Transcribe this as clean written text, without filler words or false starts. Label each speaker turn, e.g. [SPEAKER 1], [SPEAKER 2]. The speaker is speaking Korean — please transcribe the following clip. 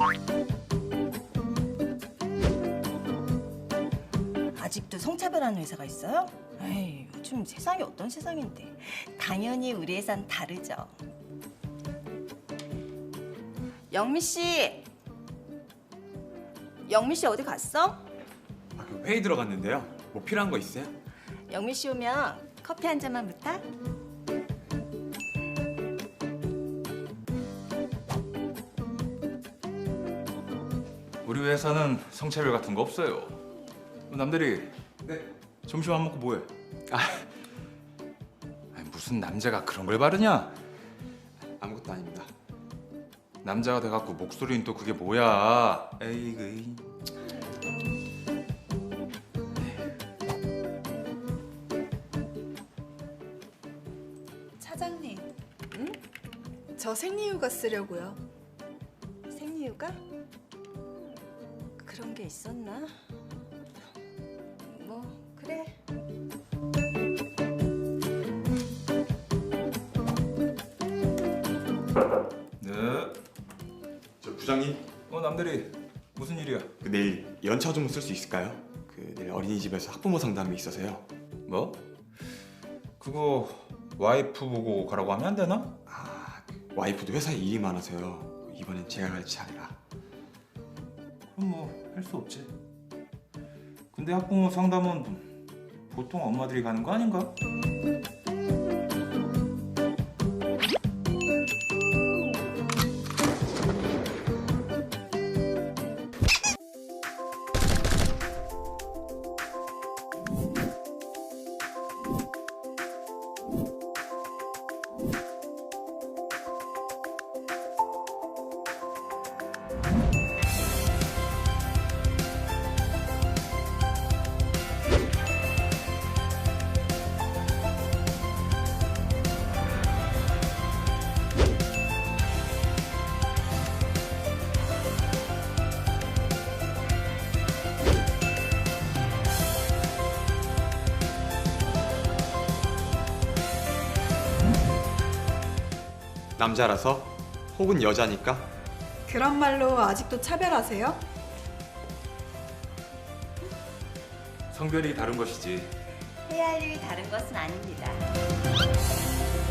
[SPEAKER 1] 아직도 성차별하는 회사가 있어요? 에이, 요즘 세상이 어떤 세상인데. 당연히 우리 회사는 다르죠. 영미 씨! 영미 씨 어디 갔어?
[SPEAKER 2] 그 회의 들어갔는데요. 뭐 필요한 거 있어요?
[SPEAKER 1] 영미 씨 오면 커피 한 잔만 부탁.
[SPEAKER 3] 우리 회사는 성차별 같은 거 없어요. 남들이
[SPEAKER 2] 네.
[SPEAKER 3] 점심 안 먹고 뭐해? 아니, 무슨 남자가 그런 걸 바르냐?
[SPEAKER 2] 아무것도 아닙니다.
[SPEAKER 3] 남자가 돼갖고 목소리는 또 그게 뭐야? 에이그.
[SPEAKER 4] 차장님, 응? 저 생리휴가 쓰려고요.
[SPEAKER 1] 생리휴가? 그런 게 있었나? 뭐 그래.
[SPEAKER 3] 네.
[SPEAKER 2] 저 부장님,
[SPEAKER 3] 남들이 무슨 일이야?
[SPEAKER 2] 그 내일 연차 좀 쓸 수 있을까요? 그 내일 어린이집에서 학부모 상담이 있어서요.
[SPEAKER 3] 뭐? 그거 와이프 보고 가라고 하면 안 되나?
[SPEAKER 2] 그 와이프도 회사에 일이 많아서요. 이번엔 제가 갈 차례라.
[SPEAKER 3] 그럼 뭐 할 수 없지. 근데 학부모 상담은 보통 엄마들이 가는 거 아닌가?
[SPEAKER 2] 남자라서 혹은 여자니까
[SPEAKER 4] 그런 말로 아직도 차별하세요?
[SPEAKER 3] 성별이 다른 것이지.
[SPEAKER 1] 해야 할 일이 다른 것은 아닙니다.